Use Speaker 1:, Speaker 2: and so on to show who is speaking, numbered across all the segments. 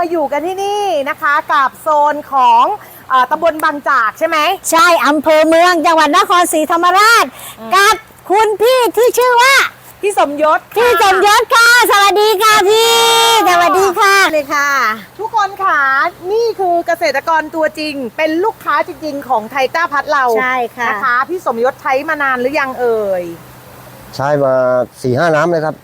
Speaker 1: อยู่กันที่นี่นะคะกับโซนของตำบลบางจากใช่ไหม
Speaker 2: ใช่อำเภอเมืองจังหวัดนครศรีธรรมราชกับคุณพี่ที่ชื่อว่า
Speaker 1: พี่สมยศ
Speaker 2: พี่สมยศค่ะสวัสดีค่ะพี่สวัสดีค่ะเลยค่ะ
Speaker 1: ทุกคนค่ะนี่คือเกษตรกรตัวจริงเป็นลูกค้าจริงๆของไทก้าพัดเรา
Speaker 2: ใช่ค่ะ
Speaker 1: นะคะพี่สมยศใช้มานานหรือยังเอ่ย
Speaker 3: ใช้มา4-5 น้ำเลยครับ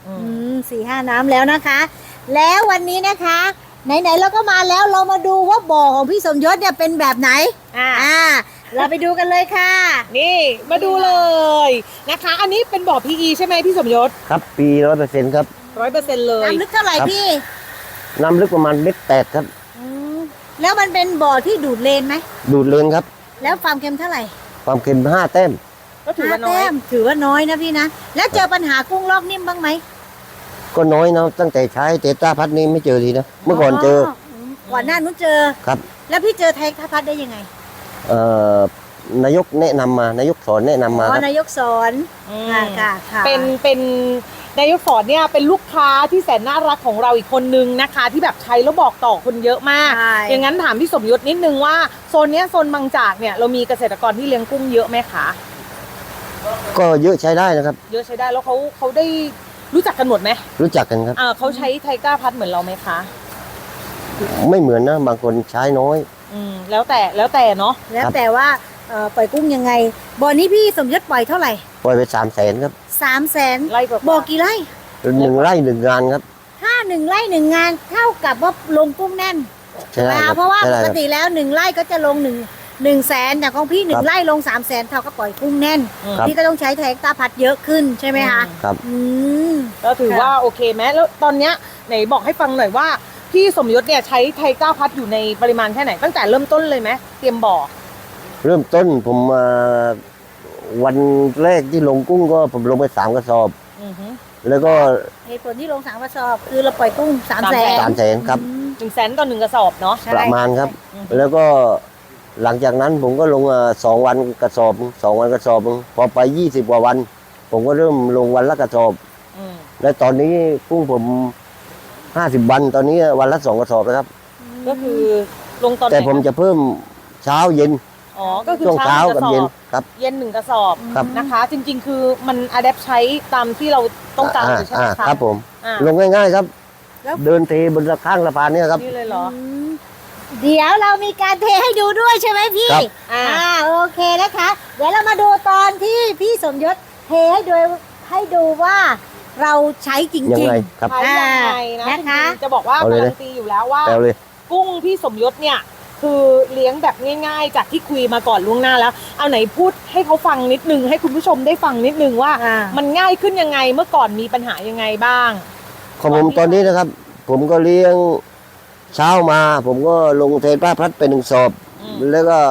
Speaker 2: 4-5 น้ำแล้วนะคะ แล้ววันนี้นะคะไหนๆเราก็มาแล้วเรามาดูว่าบ่อของพี่สมยศเนี่ยเป็นแบบไหนเราไปดูกันเลยค่ะ
Speaker 1: นี่มาดูเลยนะคะอันนี้เป็นบ่อ PE ใช่ไหมพี่สมยศ
Speaker 3: ครับปี 100%ครับ
Speaker 1: 100%เลย
Speaker 2: น้ำลึกเท่าไหร่พี่
Speaker 3: น้ำลึกประมาณ1.8 ครับ
Speaker 2: แล้วมันเป็นบ่อที่ดูดเลนไหม
Speaker 3: ดูดเลนครับ
Speaker 2: แล้วความเค็มเท่าไหร่
Speaker 3: ความเค็ม5 แต้ม
Speaker 1: ก็ถือว่าน้อย
Speaker 2: ถือว่าน้อยนะพี่นะแล้วเจอปัญหากุ้งลอกนิ่มบ้างไหม
Speaker 3: ก็น้อยนะตั้งแต่ใช้เตต้าพัดนี้ไม่เจอทีนะเมื่อก่อนเจอ
Speaker 2: ก่อนหน้านู้นเจอ
Speaker 3: ครับ
Speaker 2: แล้วพี่เจอไทก้าพัดได้ยังไง
Speaker 3: นายกแนะนำมานายกสอนแนะนำมา
Speaker 2: นายกสอนค่ะ
Speaker 1: เป็นนายกสอนเนี่ยเป็นลูกค้าที่แสนน่ารักของเราอีกคนนึงนะคะที่แบบใช้แล้วบอกต่อคนเยอะมากอย่างนั้นถามพี่สมยศนิดนึงว่าโซนนี้โซนบางจากเนี่ยเรามีเกษตรกรที่เลี้ยงกุ้งเยอะไหมคะ
Speaker 3: ก็เยอะใช้ได้นะครับ
Speaker 1: เยอะใช้ได้แล้วเขาได้รู้จักกันหมดไหม
Speaker 3: รู้จักกันครับ
Speaker 1: เขาใช้ไทก้าพัดเหมือนเราไหมคะ
Speaker 3: ไม่เหมือนนะบางคนใช้น้อย
Speaker 1: แล้วแต่เนาะ
Speaker 2: แล้วแต่ว่าปล่อยกุ้งยังไงบ่อนี้พี่สมยศปล่อยเท่าไหร่
Speaker 3: ปล่อยไป300,000ครับ
Speaker 2: 300,000
Speaker 1: ไร่
Speaker 2: บ่อกี่ไร่
Speaker 3: 1 ไร่1 งานครับ
Speaker 2: ถ้า1 ไร่ 1 งานเท่ากับว่าลงกุ้งแน่น
Speaker 3: ใช่
Speaker 2: เพราะว่าปกติแล้ว1 ไร่ก็จะลง100,000แต่ของพี่1 ไร่ลง300,000เท่ากับปล่อยกุ้งแน่นพี่ก็ต้องใช้ไทก้าพัดเยอะขึ้นใช่ไหมคะ
Speaker 3: ครับ
Speaker 1: แล้วถือว่าโอเคไหมแล้วตอนเนี้ยไหนบอกให้ฟังหน่อยว่าพี่สมยศเนี่ยใช้ไทก้าพัดอยู่ในปริมาณแค่ไหนตั้งแต่เริ่มต้นเลยไหมเตรียมบ่อ
Speaker 3: เริ่มต้นผมวันแรกที่ลงกุ้งก็ผมลงไป3 กระสอบแล้วก็
Speaker 2: เหตุผลที่ลง3 กระสอบคือเราปล่อยกุ้ง300,000
Speaker 3: ครับ
Speaker 1: 100,000ต่อ1 กระสอบเนาะ
Speaker 3: ประมาณครับแล้วก็หลังจากนั้นผมก็ลง2 วันกระสอบ2 วันกระสอบพอไป20 กว่าวันผมก็เริ่มลงวันละกระสอบและตอนนี้กุ้งผม50 วันตอนนี้วันละ2 กระสอบแล้วครับ
Speaker 1: ก็คือลงตอน
Speaker 3: แต่ผมจะเพิ่มเช้าเย็น
Speaker 1: ก็คือ
Speaker 3: เช้ากับเย็นครับ
Speaker 1: เย็น1 กระสอบนะคะจริงๆคือมันอะแดปใช้ตามที่เราต้องการใช่ไหมคะ
Speaker 3: ครับผมลงง่ายๆครับเดินเทบนข้างสะพานนี่ครับ
Speaker 1: นี่เลยเหรอ
Speaker 2: เดี๋ยวเรามีการเทให้ดูด้วยใช่ไหมพี่โอเคนะคะเดี๋ยวเรามาดูตอนที่พี่สมยศเทให้ดูว่าเราใช้จริงๆ
Speaker 3: ยังไงครับ
Speaker 1: ใช้ยังไงนะคะจะบอกว่าการันตีอยู่แล้วว่ากุ้งพี่สมยศเนี่ยคือเลี้ยงแบบง่ายๆจากที่คุยมาก่อนล่วงหน้าแล้วเอาไหนพูดให้เขาฟังนิดนึงให้คุณผู้ชมได้ฟังนิดนึงว่ามันง่ายขึ้นยังไงเมื่อก่อนมีปัญหายังไงบ้าง
Speaker 3: ของผมตอนนี้นะครับผมก็เลี้ยงเช้ามาผมก็ลงเทป้าพัดไป1 สอบแล้วก็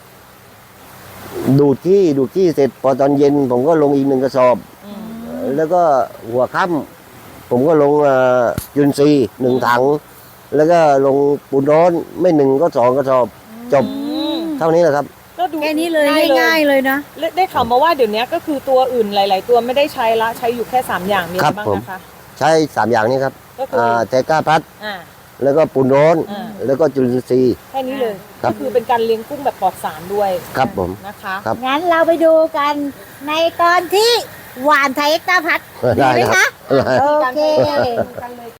Speaker 3: ดูดขี้เสร็จพอตอนเย็นผมก็ลงอีก1 กระสอบแล้วก็หัวค่ำผมก็ลงจุลินทรีย์1 ถังแล้วก็ลงปูนร้อนไม่1 ก็2 กระสอบจบเท่านี้แหละครับ
Speaker 2: แค่นี้เลยง่ายๆเลยนะ
Speaker 1: ได้ข่าวมาว่าเดี๋ยวนี้ก็คือตัวอื่นหลายๆตัวไม่ได้ใช้ละใช้อยู่แค่3 อย่างมีอะไรบ้างนะคะ
Speaker 3: ใช้3 อย่างนี้ครับไทก้าพัดแล้วก็ปูนร้อนแล้วก็จุลินทรีย์
Speaker 1: แค่นี้เลยก็คือเป็นการเลี้ยงกุ้งแบบปลอดสารด้วย
Speaker 3: ครับผม
Speaker 1: นะคะ
Speaker 2: งั้นเราไปดูกันในตอนที่หวานไทก้าพัดดีไหมคะโอเค